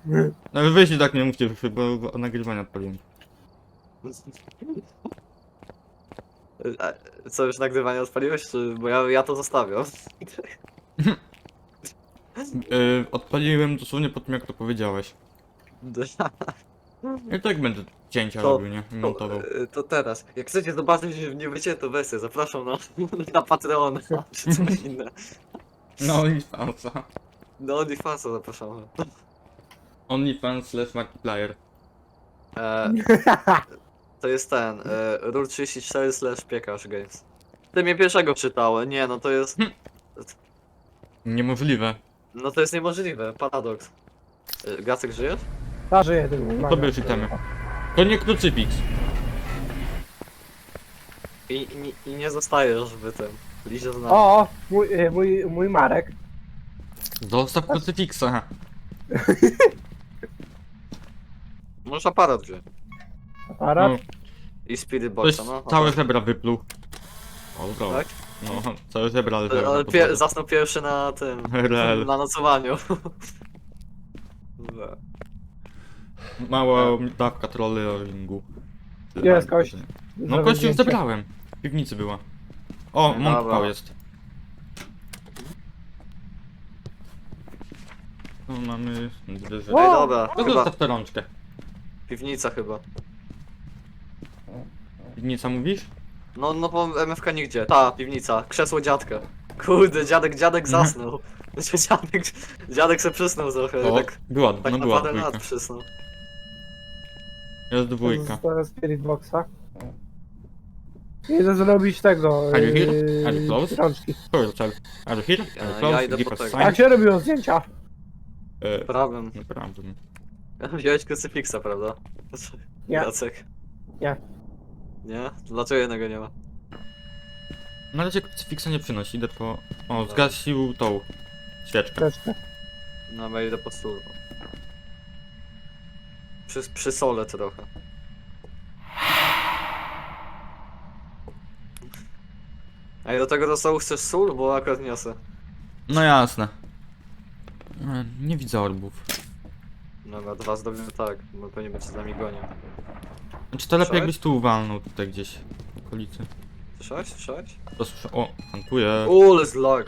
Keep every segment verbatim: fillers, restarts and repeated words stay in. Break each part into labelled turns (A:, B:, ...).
A: No ale weź i tak nie mówcie, bo nagrywania odpaliłem.
B: A co, już nagrywanie odpaliłeś, czy... bo ja, ja to zostawiam.
A: Yy, odpaliłem dosłownie po tym, jak to powiedziałeś. I tak będę cięcia
B: To-
A: robił, nie?
B: To,
A: Montował.
B: to teraz, jak chcecie zobaczyć nie wyciętą wersję, zapraszam na, na Patreona, czy coś inne.
A: No OnlyFansa.
B: Do OnlyFansa zapraszamy.
A: OnlyFans slash Markiplier.
B: E, to jest ten, e, Rule trzydzieści cztery slash piekarz games. Ty mnie pierwszego czytałem, nie no to jest...
A: Niemożliwe.
B: No to jest niemożliwe, paradoks. E, Gacek, żyjesz?
C: Ta żyje tylko.
A: To bierz itemy. To nie krucyfiks.
B: I, i, i nie zostajesz w tym, liście z nami.
C: O, mój, e, mój, mój Marek.
A: Zostaw krucyfiksa.
B: Możesz aparat wziąć.
C: Aparat.
A: No,
B: I spirit
A: ktoś
B: boxa, no.
A: całe żebra wypluł. O, dobra.
B: Tak?
A: No, całe żebra
B: Ale,
A: leżały
B: ale
A: na
B: pie,
A: podłodze.
B: zasnął pierwszy na tym,
A: Rel.
B: na nocowaniu. Dobra.
A: Mała dawka trollingu.
C: Jest kość.
A: No
C: Zrobię
A: kość już
C: zdjęcie.
A: zebrałem. W piwnicy była. O,
B: Dobra.
A: mąk jest. Tu mamy dwie rzeczy.
B: Ej,
C: O!
B: dobra,
A: No
B: chyba
A: zostaw tę rączkę.
B: piwnica chyba.
A: Piwnica mówisz?
B: No, no bo M F K nigdzie. Ta, piwnica, krzesło dziadka. Kurde, dziadek, dziadek
A: Mhm.
B: zasnął. Dziadek, dziadek se przysnął trochę,
A: O,
B: tak,
A: była,
B: tak
A: no
B: na
A: była
B: parę lat
A: dwójka.
B: przysnął.
A: Jest dwójka.
C: Teraz Spirit Boxa. Idę zrobić tego.
A: Are you here?
C: yy,
A: Are you close?
C: Rączki.
A: Sorry, sorry. Are you here?
B: Ja-
A: Are you
B: ja
A: close?
B: idę
A: Give
B: po
A: us
B: tego.
A: sign.
C: Jak się robiło zdjęcia?
A: E,
B: Prawym.
A: Naprawdę.
B: Wziąłeś krucyfiksa, prawda?
C: Nie.
B: Jacek.
C: Nie.
B: Nie? Dlaczego jednego nie ma?
A: Na razie krucyfiksa nie przynosi, idę po... O, zgasił tą świeczkę.
C: Troszkę.
B: No, bo idę po stół. Przy, przy sole trochę. A i do tego do stołu chcesz sól? Bo akurat niosę.
A: No jasne. E, Nie widzę orbów.
B: Dobra, dwa zrobimy tak, bo pewnie będzie z nami gonił.
A: Znaczy to lepiej
B: Słyszałeś?
A: jakbyś tu uwalnął tutaj gdzieś w okolicy.
B: Słyszałeś? Słyszałeś?
A: To słyszę... O, hantuje.
B: Uuu, jest lag.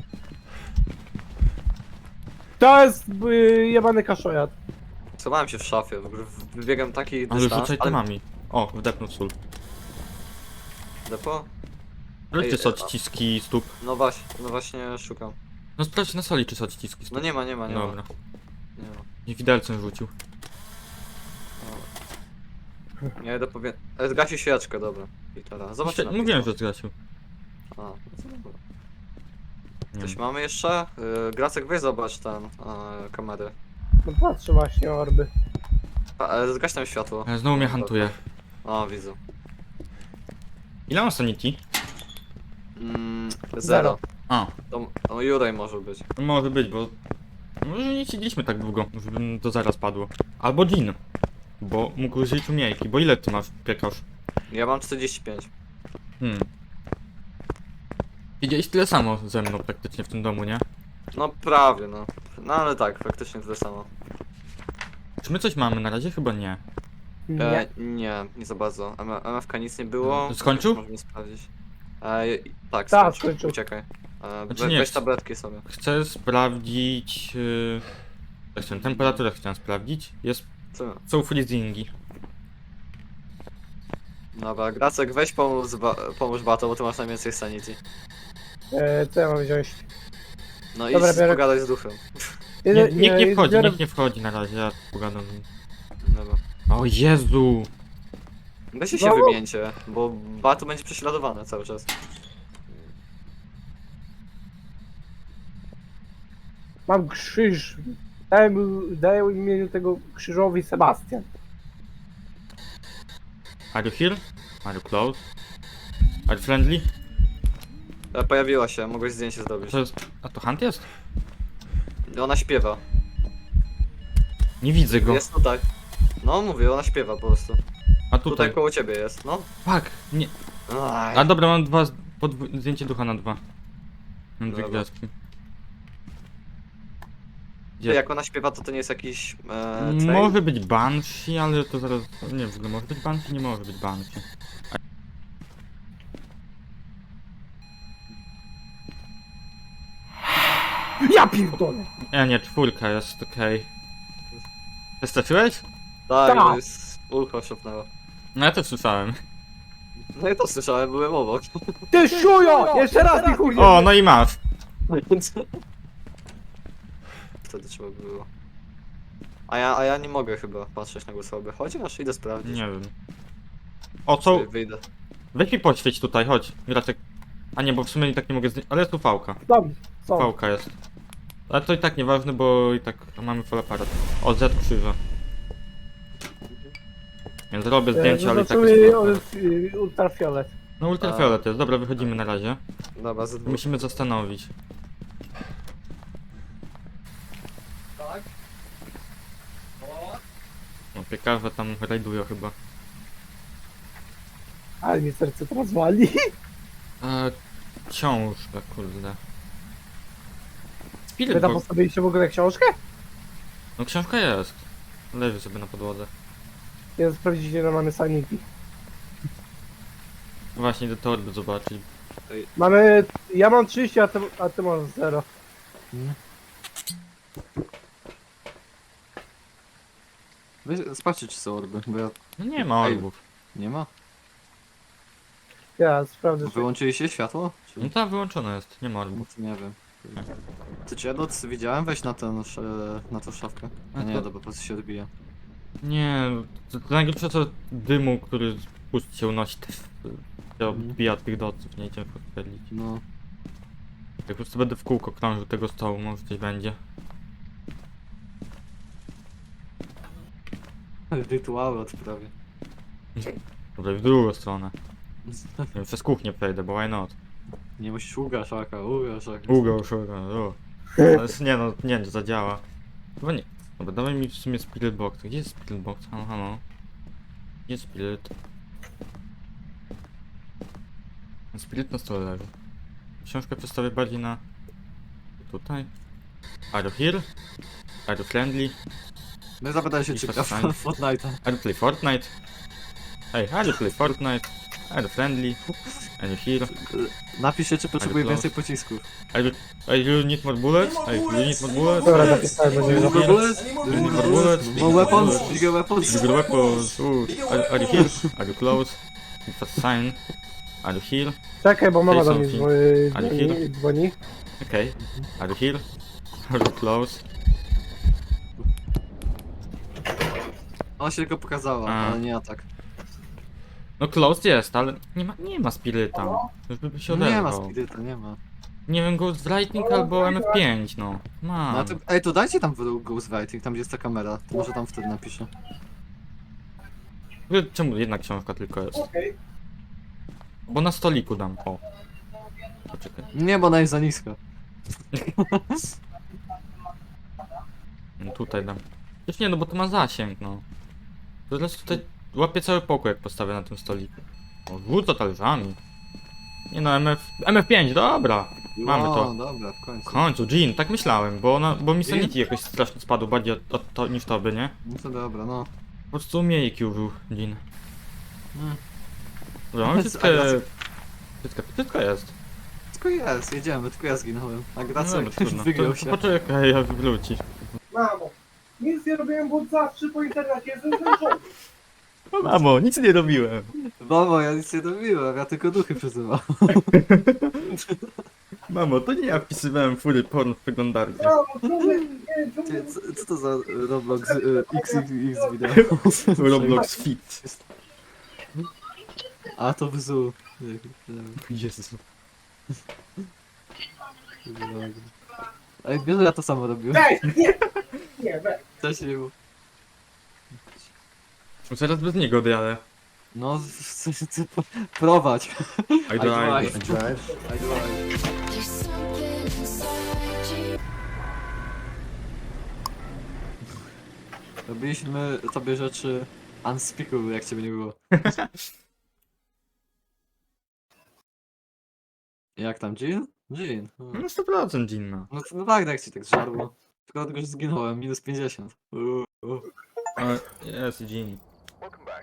C: To jest yy, jebany kaszojat.
B: Schowałem się w szafie, w ogóle wybiegam taki
A: Ale
B: dystans,
A: rzucaj temami. O, wdepnął sól.
B: Depo?
A: Sprawdźcie
B: Ej,
A: są
B: a-
A: odciski stóp.
B: No właśnie, no właśnie szukam.
A: No sprawdź na soli czy są odciski
B: No
A: stóp.
B: nie ma, nie ma, nie
A: Dobra.
B: ma. Nie ma.
A: Nie widelcem rzucił.
B: Ja idę powie... E, Zgasi świeczkę, dobra. I teraz. Zobacz
A: Świe- Mówiłem, że zgasił.
B: A, no to dobra.
A: Nie
B: Coś
A: wiem.
B: mamy jeszcze? Yy, Gracek, weź zobacz ten, e, kamerę.
C: No patrzę właśnie orby.
B: A, e, zgaś tam światło.
A: E, Znowu mnie hantuje.
B: O, widzę.
A: Ile mam sanity?
B: Mm, zero.
C: Zero.
A: A,
B: To, to Jurej może być.
A: to może być, bo... Może nie siedzieliśmy tak długo, żeby to zaraz padło. Albo Jean. Bo mógł użyć umiejki, bo ile ty masz piekarz?
B: Ja mam czterdzieści pięć.
A: Hmm. Widziałeś tyle samo ze mną praktycznie w tym domu, nie?
B: No prawie, no. No ale tak, faktycznie tyle samo.
A: Czy my coś mamy na razie? Chyba nie.
C: Nie.
B: E, nie, nie za bardzo. M- MFK nic nie było.
A: Skończył?
B: Możemy sprawdzić. E, tak,
C: Tak,
B: skończył.
C: skończył.
B: Uciekaj. E,
A: Znaczy
B: we,
A: nie,
B: weź
A: ch-
B: tabletki sobie.
A: Chcę sprawdzić... Yy... tak, chciałem, temperaturę chciałem sprawdzić. Jest...
B: Co?
A: Są freezingi.
B: Dobra, Gracek, weź pomóż, ba pomóż Bato, bo ty masz najwięcej sanity.
C: E, co ja mam wziąć?
B: No i
C: Dobra, biorę-
B: pogadaj z duchem.
A: Nie,
C: Idę-
A: nikt nie
C: e,
A: wchodzi,
C: biorę-
A: nikt nie wchodzi na razie, ja pogadam.
B: Dobra.
A: O Jezu!
B: Weźcie się
C: No.
B: wymieńcie, bo Bato będzie prześladowany cały czas.
C: Mam krzyż. Daję, mu- daję imieniu tego krzyżowi Sebastian.
A: Are you here? Are you close? Are you friendly?
B: E, pojawiła się, mogłeś zdjęcie zrobić.
A: To jest... A to Hunt jest?
B: Ona śpiewa.
A: Nie widzę go.
B: Jest tutaj. No mówię, ona śpiewa po prostu.
A: A
B: Tutaj,
A: tutaj.
B: koło ciebie jest, no.
A: Fuck! Nie.
B: Aj.
A: A dobra, mam dwa... z- Podw... Zdjęcie ducha na dwa. Mam dwie
B: Dobra.
A: gwiazdki. Gdzie?
B: Jak ona śpiewa, to to nie jest jakiś... E, trail?
A: Może być Banshee, ale to zaraz... Nie w ogóle, może być Banshee, nie może być Banshee.
C: Ja pierdolę!
A: Nie, nie, czwórka jest, okej. Wystraczyłeś?
B: Tak,
C: Tak.
B: to jest... Ucho szopnęło.
A: No ja też słyszałem.
B: No i to słyszałem, byłem obok.
C: Ty szujo! Jeszcze raz mi chuj!
A: O, no i masz.
B: Wtedy trzeba było. A ja, a ja nie mogę chyba patrzeć na głosowy. Chociaż idę sprawdzić.
A: Nie wiem. O, co?
B: Wy- Wyjdę.
A: Weź mi poświeć tutaj, chodź. Graczek. A nie, bo w sumie i tak nie mogę zdjąć. Ale jest tu fałka.
C: Tam, są.
A: Fałka jest. Ale to i tak nieważne, bo i tak mamy full aparat. O, Z krzyża. Więc zrobię zdjęcie, ale i tak jest
C: Zobaczymy
A: full aparat.
C: y, ultrafiolet.
A: No ultrafiolet jest, dobra, wychodzimy na razie.
B: Dobra, ze dwóch.
A: Musimy zastanowić.
B: Tak?
A: No, piekarze tam rajdują chyba.
C: Ale mi serce teraz wali.
A: Eee, książka, kurde. Spirit
C: Wy tam
A: Box.
C: postawiliście w ogóle książkę?
A: No książka jest. Leży sobie na podłodze.
C: Ja sprawdzić ile mamy sanity.
A: Właśnie idę torby zobaczyć.
C: Mamy... Ja mam trzydzieści, a ty, a ty masz zero.
B: Weź, sprawdźcie czy są orby, bo ja...
A: No nie ma
B: Ej.
A: orbów.
B: Nie ma.
C: Ja sprawdzę. czy-
B: Wyłączyliście światło? Czy...
A: No tam wyłączone jest, nie ma
B: No
A: orbów.
B: to nie wiem. Ty cię noc widziałem? Weź na ten, sz- na tą szafkę. A
A: A
B: nie,
A: to-
B: dobra, po prostu się odbija.
A: Nie, to, to najgorsze co dymu, który z pust się unosi też się
B: Mhm.
A: odbija od tych doców, nie idziemy podpalić.
B: No.
A: Jak po prostu będę w kółko krążył tego stołu, może coś będzie.
B: Rytuały odprawię.
A: Dobra, w drugą stronę. Nie wiem, przez kuchnię przejdę, bo why not?
B: Nie musisz uga szaka, uga szaka.
A: Długo szukam, o. Ale s- nie no, nie wiem, czy zadziała. Chyba nie. Dobra, dawaj mi w sumie Spirit Box. Gdzie jest Spirit Box? Halo, halo. Gdzie jest Spirit? Spirit na stole leży. Książkę przedstawię bardziej na... Tutaj. Are you here? Are you friendly?
B: No i zapytaj się
A: I
B: czy gra
A: fast
B: w
A: time.
B: Fortnite'a.
A: Are you play Fortnite? Hey, are you play Fortnite? Are you friendly? Are you here?
B: Napisz się czy potrzebuje
A: close.
B: więcej pocisków.
A: Are you, are you need more bullets? Hey, you need more bullets?
C: Dobra, napisałem, będzie
A: Are you
C: go.
A: here? Do you need more bullets?
B: More weapons, bigger weapons.
A: Bigger weapons. Ooh. Are, are you here? Are you close? Give us a sign. Are you here?
C: Czekaj, bo mama
A: Say
C: do mnie
A: something.
C: dzwoni.
A: Ale
C: dzwoni,
A: chwilę.
C: dzwoni.
A: Okay. Are you here? Are you close?
B: Ona się tylko pokazała,
A: A.
B: ale nie atak.
A: No close jest, ale nie ma, nie ma spiryta. Już by się
B: Nie ma
A: oderwał.
B: spiryta, nie ma.
A: Nie wiem, Ghost Lightning albo M F pięć, no.
B: No,
A: Mam.
B: to, ej, to dajcie tam w Ghostwriting, tam gdzie jest ta kamera. To może tam wtedy napiszę.
A: Czemu jedna książka tylko jest? Bo na stoliku dam, o. Poczekaj.
B: Nie, bo ona jest za niska.
A: No tutaj dam. Już nie, no bo to ma zasięg, no. Teraz tutaj łapię cały pokój, jak postawię na tym stoliku. O, rzuca talerzami. Nie no, M F... M F pięć, dobra! Mamy
B: o,
A: to.
B: dobra, w końcu.
A: W końcu, Jean, tak myślałem, bo ona, bo mi
B: Jean?
A: sanity jakoś strasznie spadł bardziej od, od to, niż tobie, nie?
B: No to dobra, no.
A: Po prostu umiejki użył Jean.
B: Mm.
A: Dobra, mamy wszystko... Wszystko, wszystko jest.
B: Tylko jest, jedziemy, tylko ja zginąłem. A
A: No
B: Gracek
A: dobra, trudno.
B: wygrał
A: To,
B: się.
A: to poczekaj, jak wróci.
C: Mamo, nic nie robiłem, bo zawsze po internecie jestem zmęczony.
A: Mamo, nic nie robiłem.
B: Mamo, ja nic nie robiłem, ja tylko duchy przyzywam.
A: Mamo, to nie ja wpisywałem fury porn w przeglądarkę.
C: Mamo, człowiek, nie,
B: Ty,
C: człowiek.
B: co, co to za Roblox y, X X X wideo?
A: Roblox Fit.
B: A to wzu.
A: Jezu.
B: Ej, wiesz, że ja to samo robiłem.
C: Ej, nie, nie, weź.
B: Też nie było.
A: Zaraz bez niego odjadę.
B: No, co się chce prowadź.
A: I drive.
B: I drive. I drive.
D: There's something inside you.
B: Robiliśmy tobie rzeczy unspeakable, jak ciebie nie było. Jak tam, Jean? Jean.
A: No sto procent Jean, no.
B: No, no tak, jak ci tak żarło. Tylko dlatego, że zginąłem, minus pięćdziesiąt. Uuu, uuu.
A: E, Jest, Gini.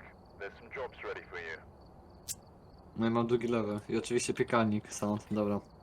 B: No i mam drugi level. I oczywiście piekarnik, sound, dobra.